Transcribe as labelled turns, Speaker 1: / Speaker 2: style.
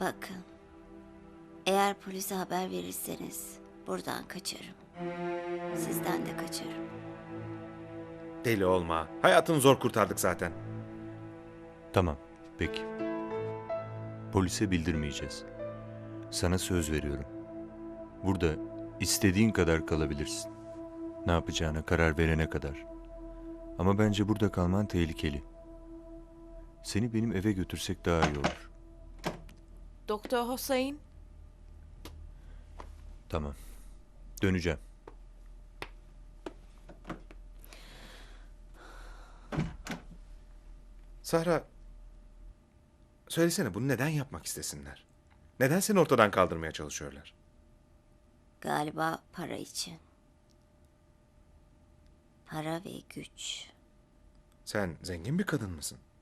Speaker 1: Bakın, eğer polise haber verirseniz buradan kaçarım. Sizden de kaçarım.
Speaker 2: Deli olma. Hayatını zor kurtardık zaten.
Speaker 3: Tamam, peki. Polise bildirmeyeceğiz. Sana söz veriyorum. Burada istediğin kadar kalabilirsin. Ne yapacağına karar verene kadar. Ama bence burada kalman tehlikeli. Seni benim eve götürsek daha iyi olur.
Speaker 4: Doktor Hüseyin,
Speaker 3: Tamam. Döneceğim.
Speaker 2: Sahra, söylesene bunu neden yapmak istesinler? Neden seni ortadan kaldırmaya çalışıyorlar?
Speaker 1: Galiba para için. Para ve güç.
Speaker 2: Sen zengin bir kadın mısın?